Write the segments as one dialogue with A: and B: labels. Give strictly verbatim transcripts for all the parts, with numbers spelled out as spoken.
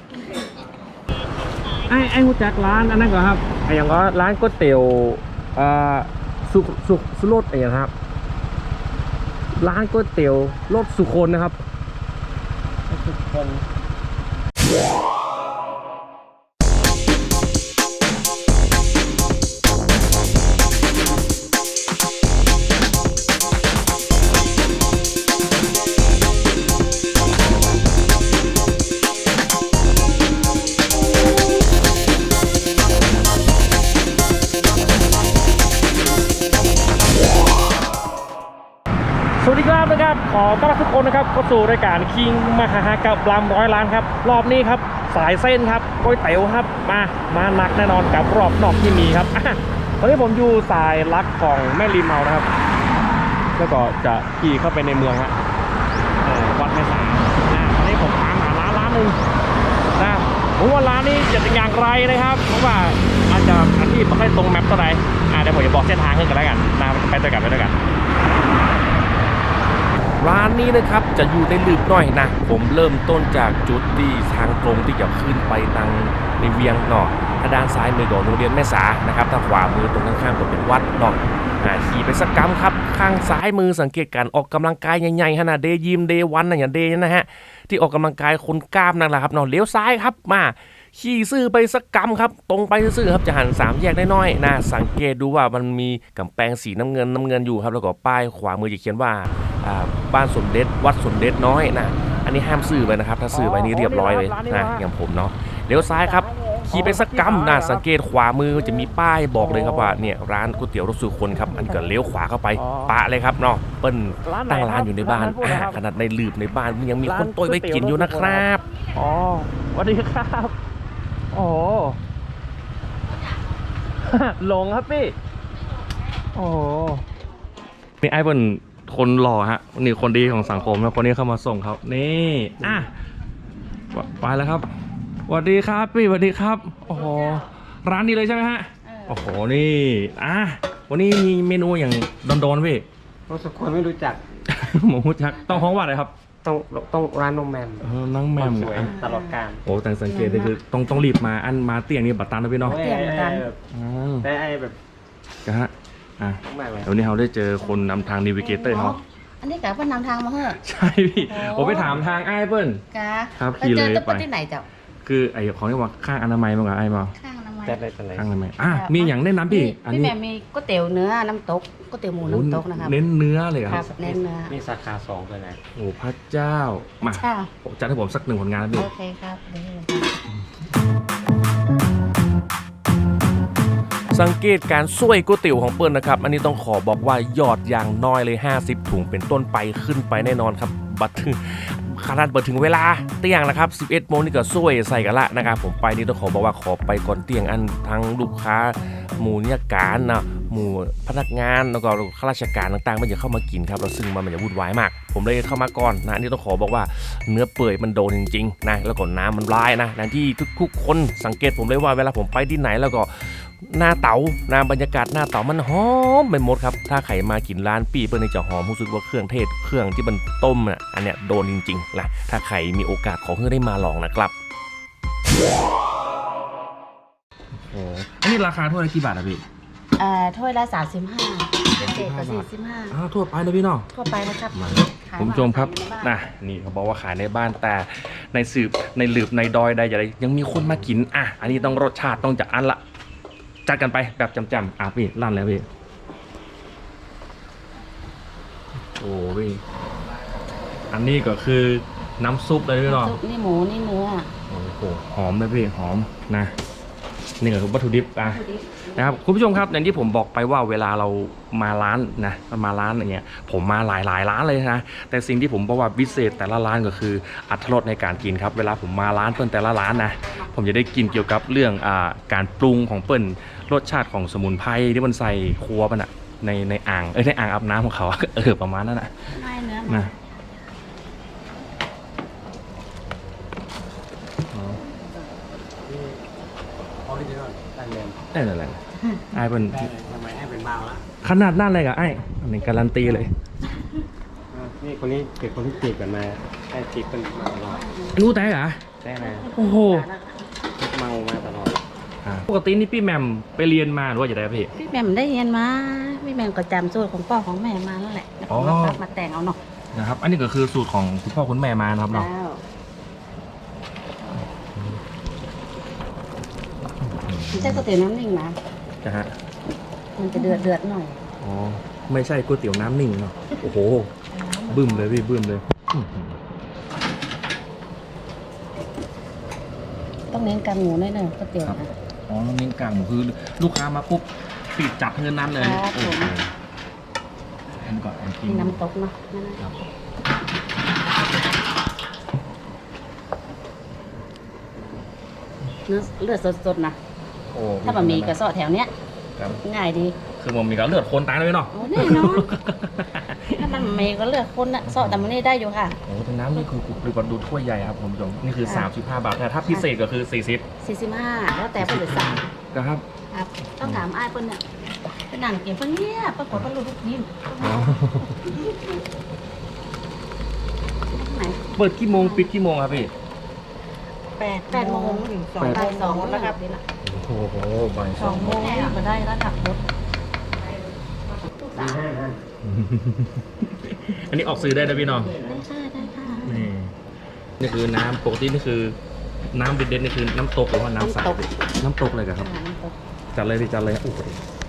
A: ไอ้ไอ้หูจักร้านอันนั้นก่อนครับไอ้อย่างก็ร้านก๋วยเตี๋ยวอ่าสุสุสุรสเองครับร้านก๋วยเตี๋ยวรสสุคนนะครับสุคนสวัสดีครับนะครับขอต้อนรับทุกคนนะครับเข้าสู่รายการคิงมหากับลำร้อยล้านครับรอบนี้ครับสายเส้นครับก๋วยเตี๋ยวครับมามาหนักแน่นอนกับรอบนอกที่มีครับตอนนี้ผมอยู่สายลักของแม่ริมเมานะครับแล้วก็จะขี่เข้าไปในเมืองฮะวัดแม่สาตอนนี้ผมตามหาร้านร้านหนึ่งนะผมว่าร้านนี้จะเป็นอย่างไรนะครับเพราะว่าอาจจะอันที่ไม่ค่อยตรงแมปเท่าไหร่เดี๋ยวผมจะบอกเส้นทางขึ้นกันแล้วกันนะไปด้วยกันไปด้วยกันร้านนี้นะครับจะอยู่ในลืบหน่อยนะผมเริ่มต้นจากจุดที่ทางตรงที่จะขึ้นไปทางในเวียงเนาะถ้าด้านซ้ายมือของโรงเรียนแม่สานะครับทางขวามือตรงข้างๆก็เป็นวัดเนาะขี่ไปสักกัมครับข้างซ้ายมือสังเกตการออกกำลังกายใหญ่ๆขนาดเดย์ยิมเดย์วันอะไรอย่างเดย์นะฮะที่ออกกำลังกายคนกล้ามนั่นแหละครับเนาะเลี้ยวซ้ายครับมาขี่ซื่อไปสักกัมครับตรงไปซื่อครับจะหันสามแยกได้น้อยนะสังเกตดูว่ามันมีกำแพงสีน้ำเงินน้ำเงินอยู่ครับแล้วก็ป้ายขวามือจะเขียนว่าบ้านสมเด็จวัดสมเด็จน้อยนะอันนี้ห้ามซื้อไปนะครับถ้าซื้อไปนี่เรียบร้อยเลยนะอย่างผมเนาะเลี้ยวซ้ายครับขี่ไปสักกัมนะสังเกตขวามือจะมีป้ายบอกเลยครับว่าเนี่ยร้านก๋วยเตี๋ยวรสสุคนครับอันก็เลี้ยวขวาเข้าไปปะเลยครับเนาะเปิ้ลตั้งร้านอยู่ในบ้านขนาดในลืบในบ้านยังมีคนโต้ยไปกินอยู่นะครับอ๋อสวัสดีครับโอ้หลงครับพี่โอ้นี่ไอ้เปิ้ลคนหล่อฮะนี่คนดีของสังคมแล้วคนนี้เข้ามาส่งครับนี่อ่ะไปแล้วครับสวัสดีครับพี่สวัสดีครับโอ้โหร้านนี้เลยใช่ไหมฮะโอ้โหนี่อ่ะวันนี้มีเมนูอย่างโดนๆพี่
B: รสสุคนไม่รู้จัก
A: หมูรู้จักต้องห้องว่าอะไรครับ
B: ต้องต้องร้านน้องแมม
A: เออน้องแมม
B: ตลอดการ
A: โอ้แต่สังเกตเลยคือต้องต้องรีบมาอันมาเตียงนี่บัตรตันนะพี่เนาะ
B: เตียงบัตรตันแต่ไอ้แบบ
A: กะฮะอ่ะวันนี้เราได้เจอคนนำทางนิวิเกเตอร์เขา
C: อันนี้กะเปิ้ลนำทางมาเหรอ
A: ใช่พี่ผมไปถามทางไอ้เปิ้ล
C: กะ
A: ครับขี่เลยไป
C: ที่ไหนเจ้า
A: คือไอ้ของที่ว่าข้างอนามัยมั้งไอ้มา
C: ข้างอนามัย
A: ข้างอนามัยอ่ะมีอย่างแนะนำพี่
C: อันนี้มีก๋วยเตี๋ยวเนื้อน้ำตกก๋วยเตี๋ยวหมูน้ำตกนะครับ
A: เน้นเนื้อเลยครับ
C: เน้นเนื้อ
B: มีสาขาสองเลยนะ
A: โอ้พระเจ้ามาจัดให้ผมสักหนึ่งผลงานนะพี่
C: โอเคครับ
A: สังเกตการช่วยก๋วยเตี๋ยวของเปิ้ลนะครับอันนี้ต้องขอบอกว่ายอดอย่างน้อยเลยห้าสิบถุงเป็นต้นไปขึ้นไปแน่นอนครับบัตรขนาดเปิดถึงเวลาเตียงนะครับสิบเอ็ดโมงนี่ก็ช่วยใส่กันละนะครับผมไปนี่ต้องขอบอกว่าขอไปก่อนเตียงอันทั้งลูกค้าหมู่นิยการนะหมู่พนักงานแล้วก็ข้าราชการต่างๆมันจะเข้ามากินครับเราซึ่งมันมันจะวุ่นวายมากผมเลยเข้ามาก่อนนะนี่ต้องขอบอกว่าเนื้อเปื่อยมันโดนจริงๆนะแล้วก็น้ำมันร้ายนะนั่นที่ทุกๆคนสังเกตผมเลยว่าเวลาผมไปที่ไหนแล้วก็หน้าเต๋าหน้าบรรยากาศหน้าเต๋ามันหอมไปหมดครับถ้าใครมากินร้านปี้เปิ้ลนี่จะหอมรู้สึกว่าเครื่องเทศเครื่องที่มันต้มอ่ะอันเนี้ยโดนจริงๆนะถ้าใครมีโอกาสขอเพื่อได้มาลองนะครับโอ้อันนี้ราคาถ้วยละกี่บาทอะพี่
C: เอ่อถ้วยละสามสิบห้าเจ็ดกับสี่สิบห้า
A: อ้าวทั่วไปเลยพี่น้อง
C: ทั่วไปนะครับ
A: คุณผู้ชมครับนะนี่เขาบอกว่าขายในบ้านแต่ในสืบในหลืบในดอยใดอย่างไรยังมีคนมากินอ่ะอันนี้ต้องรสชาติต้องจัดอันละจัดกันไปแบบจำๆอ่ะพี่ลั่นแล้วพี่โอ้พี่อันนี้ก็คือน้ำซุปเลยพี่น้อง
C: นี่หมูนี่เนื้อ
A: โอ้โหหอมเลยพี่หอมนะนี่ก็คือวัตถุดิบอ่ะนะครับคุณผู้ชมครับอย่างที่ผมบอกไปว่าเวลาเรามาร้านนะมาร้านอย่างเงี้ยผมมาหลายหลายร้านเลยนะแต่สิ่งที่ผมบอกว่าพิเศษแต่ละร้านก็คืออรรถรสในการกินครับเวลาผมมาร้านเปิ้ลแต่ละร้านนะผมจะได้กินเกี่ยวกับเรื่องอ่าการปรุงของเปิ้ลรสชาติของสมุนไพรที่มันใส่ครัวมันอะในในอ่างเอ้ยในอ่างอาบน้ำของเขาเออประมาณนั้นนะนะได้เลยอะไรไอ้เป็น
B: ทำไมไอ้เป็นเมาละ
A: ขนาดนั่นเลยกับไอ้อันนี้การันตีเลย
B: นี่คนนี้เกิดคนที่จีบกันมาไอ้จีบเป็นมาตลอด
A: รู้แต่เหรอ
B: แต่นะ
A: โอ้โห
B: เมามาตลอด
A: ปกตินี่พี่แหม่มไปเรียนมาหรือว่าจะได้พี่
C: พี่แม่มได้เรียนมาพี่แม่มก็จำสูตรของพ่อของแม่มาแล้วแหละแล้ว
A: อ๋อ
C: ก็มาปรับมาแต่งเอาเนาะ
A: นะครับ อันนี้ก็คือสูตรของคุณพ่อคุณแม่มานะครับ
C: แล้
A: เนาะ
C: วไม่ใช่ก๋วยเตี๋ยวน้ำนิ่งนะ
A: นะฮะ
C: มันจะเดือดเดือดหน่อย
A: อ๋อไม่ใช่ก๋วยเตี๋ยวน้ำนิ่งเนาะโอ้โหบึ้มเลยพี่บึ้มเลยอื้อหือ
C: ต้องเน้นกางหมูหน่อยหนึ่งก๋วยเตี๋ยวนะ
A: อ๋อเน้นกลางหมูคือลูกค้ามาปุ๊บปิดจับเงินนั้นเลย
C: ครับผม
A: โอ้โหอันก่อนอันกิน
C: มีน้ำตกเนาะนั่นนะ
A: ครับ
C: เนื้อเลือดสดๆนะ
A: โอ้
C: ถ้าบะหมี่กระเสาะแถวเนี้ย
A: ครับ
C: ง่ายดี
A: คือมันมีการเลือดคนตายเลยเนาะ
C: โอ้แน่นอน ถ้ามันเมย์ก็เลือกคนนะเสาะแต่มันนี่ได้อยู่ค่ะ
A: โอ้แต่น้ำนี่คือปริบัติดูถ้วยใหญ่ครับคุณผู้ชมนี่คือ
C: ค่ะ
A: สามสิบห้าบาทแต่ถ้าพิเศษก็คือสี่สิบ
C: สี่สิบห้าแล้วแต่เพิ่นจะสั่ง
A: นะครับ
C: ครับ ต้องถามอ้ายเพิ่นเนี่ยเพิ่นนั่งเก็บเพิ่นเงียบปรากฏเพิ่นรู้ทุกทีม
A: อ๋อ
C: ไหน
A: เปิดกี่โมงปิดกี่โมงครับพี่
C: แปดแปดโมงถึงสองบ่ายสองแล้วครับนี่ละ
A: โอ้โหบ่ายส
C: ส
A: อ
C: อง งโมงก็ได้แล้วขับรถ
A: อันนี้ออกซื้อได้นะพี่น้อง
C: ได้ค่ะได้ค่ะ
A: นี่นี่คือน้ำปกตินี่คือน้ำเด็ดๆนี่คือน้ำตกหรือว่าน้ำใสน้ำตกเลยครับ
C: น้ำตก
A: จัดเลยดิจัดเลยโอ้โห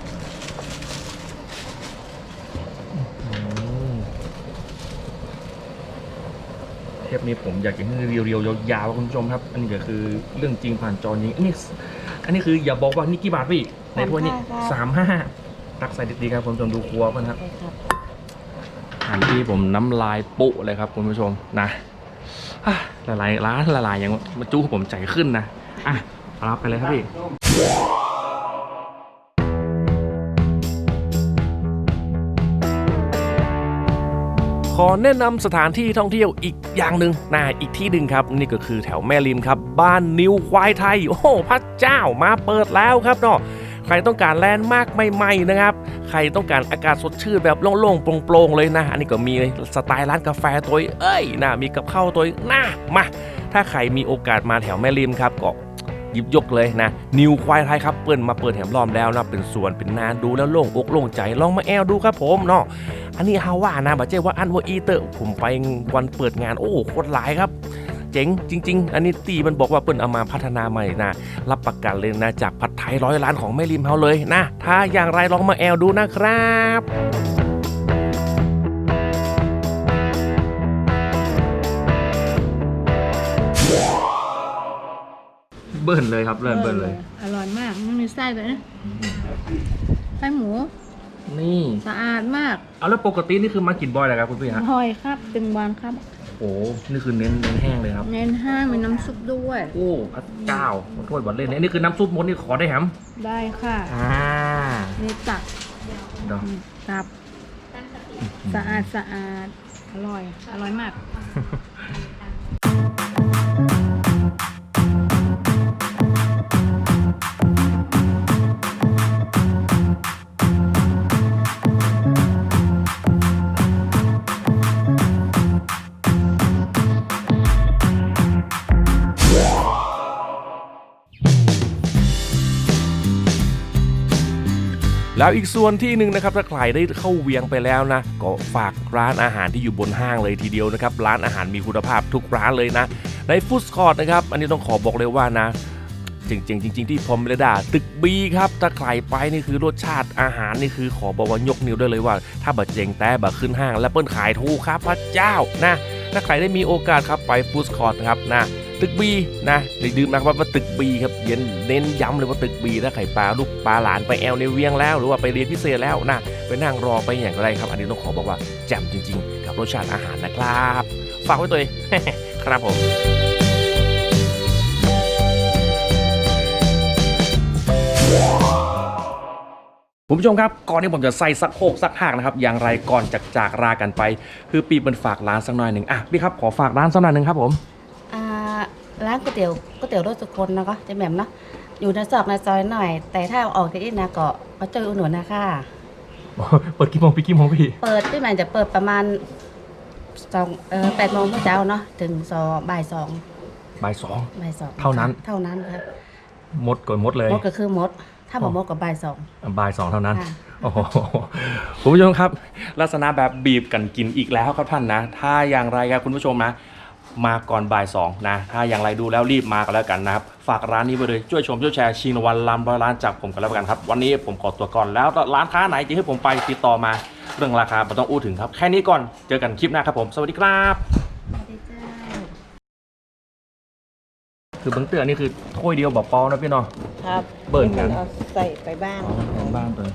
A: อืมเทปนี้ผมอยากจะให้เรียวๆยาวๆคุณผู้ชมครับ อันนี้ก็คือเรื่องจริงผ่านจอจริงอันนี้อันนี้คืออย่าบอกว่านี่กี่บาทพี่ในถ้วยนี้สามห้าตักใส่ดีๆครับคุณผู้ชมดูครัวกันครับ
C: ใช่ครับ
A: อันที่ผมน้ำลายปุเลยครับคุณผู้ชมนะอ่ะละลายร้านละลายอย่างมาจู้ผมใจขึ้นนะอ่ะรับไปเลยครับพี่ขอแนะนำสถานที่ท่องเที่ยวอีกอย่างหนึ่งนะอีกที่หนึ่งครับนี่ก็คือแถวแม่ริมครับบ้านนิวควายไทยโอ้โหพระเจ้ามาเปิดแล้วครับเนาะใครต้องการแลนด์มาร์กใหม่ๆนะครับใครต้องการอากาศสดชื่นแบบโล่งๆโปร่งๆเลยนะอันนี้ก็มีสไตล์ร้านกาแฟตัวเอ้ยนะมีกับข้าวตัวนะมาถ้าใครมีโอกาสมาแถวแม่ริมครับก็หยิบยกเลยนะนิวควายไทยครับเปิ้ลมาเปิดแถมล้อมแล้วนะเป็นสวนเป็นนาดูแล้วโล่งอกโล่งใจลองมาแอลดูครับผมเนาะอันนี้ฮาว่านะบัจเจว่าอันว่าอีเตอร์ผมไปวันเปิดงานโอ้โคตรหลายครับเจ๋งจริงๆอันนี้ตีมันบอกว่าเปิ้ลเอามาพัฒนาใหม่นะรับประกันเลยนะจากผัดไทยร้อยล้านของแม่ริมเฮาเลยนะถ้าอย่างไรลองมาแอลดูนะครับเบิ้ลเลยครับเบิ้ลเบิ้ลเลย
D: อร่อยมากไม่มีไส้เลยนะไส้หมู
A: นี่
D: สะอาดมาก
A: เอาแล้วปกตินี่คือมากินบ่อยเลยครับคุณพี่ฮะ
D: อร่อยครับเป็นวันครับ
A: โอ้นี่คือเน้นเน้นแห้งเลยครับ
D: เน้นห้างมีน้ำซุปด้วย
A: โอ้พระเจ้าขอโทษบัดเล่นนี่คือน้ำซุปมดนี่ขอได้แฮม
D: ได้ค่ะ
A: อ่า
D: มีตัก
A: เดี๋ยว
D: ตับสะอาดสะอาดอร่อย อร่อยมาก
A: แล้วอีกส่วนที่หนึ่งนะครับถ้าใครได้เข้าเวียงไปแล้วนะก็ฝากร้านอาหารที่อยู่บนห้างเลยทีเดียวนะครับร้านอาหารมีคุณภาพทุกร้านเลยนะในฟู้ดคอร์ทนะครับอันนี้ต้องขอบอกเลยว่านะจริงๆจริงๆที่พรหมเรดาตึกบีครับถ้าใครไปนี่คือรสชาติอาหารนี่คือขอบอกว่ายกนิ้วได้เลยว่า ถ้าบัดเจงแต่บัดขึ้นห้างและเปิ้ลขายถูกครับพระเจ้านะถ้าใครได้มีโอกาสครับไปฟู้ดคอร์ทครับนะตึกบีนะอย่าลืมนะครับว่าตึกบีครับเย็นเน้นย้ำเลยว่าตึกบีถ้าไข่ปลาลูกปลาหลานไปแอลในเวียงแล้วหรือว่าไปเรียนพิเศษแล้วนะไปนั่งรอไปอย่างไรครับอันนี้ต้องขอบอกว่าแจ่มจริงๆกับรสชาติอาหารนะครับฝากไว้ตัวเอง ครับผมคุณผู้ชมครับก่อนที่ผมจะใส่สักโคกสักหากนะครับอย่างไรก่อนจากจากลากันไปคือปีมันฝากร้านสักหน่อยหนึ่งอ่ะพี่ครับขอฝากร้านสักหน่อยหนึ่งครับผม
C: อ่าร้านก๋วยเตี๋ยวก๋วยเตี๋ยวรสสุคนนะก็จะแหม่มเนาะอยู่ในซอกในซอยหน่อย แต่ถ้าออกจากนี้นะก็มาเจออุดหนุนนะคะ
A: เปิดกี่โมงปีกี่โมงพี่
C: เปิดพี่แหม่มจะเปิดประมาณสองเออแปดโมงเช้าเนาะถึงสองบ่ายสอง
A: บ่ายสอง
C: บ่ายสอง
A: เท่านั้น
C: เท่านั้นครับ
A: มดก่อนมดเลย
C: มดก็คือมด ถ้าบอกมดกับบ่ายสอง
A: บ่ายสองเท่านั้น
C: ค่ะ
A: โอ้โหคุณผู้ชมครับ ลักษณะแบบบีบกันกินอีกแล้วครับท่านนะ ถ้าอย่างไรครับคุณผู้ชมนะ มาก่อนบ่ายสองนะ ถ้าอย่างไรดูแล้วรีบมากันแล้วกันนะครับ ฝากร้านนี้ไปเลยช่วยชมช่วยแชร์ชิงรางวัลลำร้อยล้านจากผมกันแล้วกันครับ วันนี้ผมขอตัวก่อนแล้วร้านค้าไหนที่ให้ผมไปติดต่อมาเรื่องราคาไม่ต้องอู้ถึงครับแค่นี้ก่อนเจอกันคลิปหน้าครับผมสวัสดีครับ
C: สวัสดีเจ้า
A: คือเบิ้งเตือนี่คือถ้วยเดียวบอกปอนะพี่เนาะ
E: ครับ
A: เบิร์นกัน
E: เอาใส่ไปบ้าง
A: ของบ้านตัว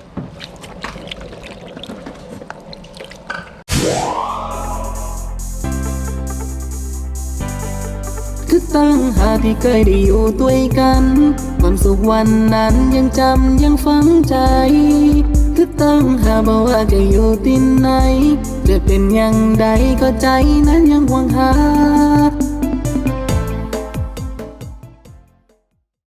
F: คือตั้งหากที่เคยได้อยู่ด้วยกันความสุขวันนั้นยังจำยังฝังใจคือตั้งหากบอกว่าจะอยู่ที่ไหน จะเป็นอย่างใดก็ใจนั้นยังหวังหา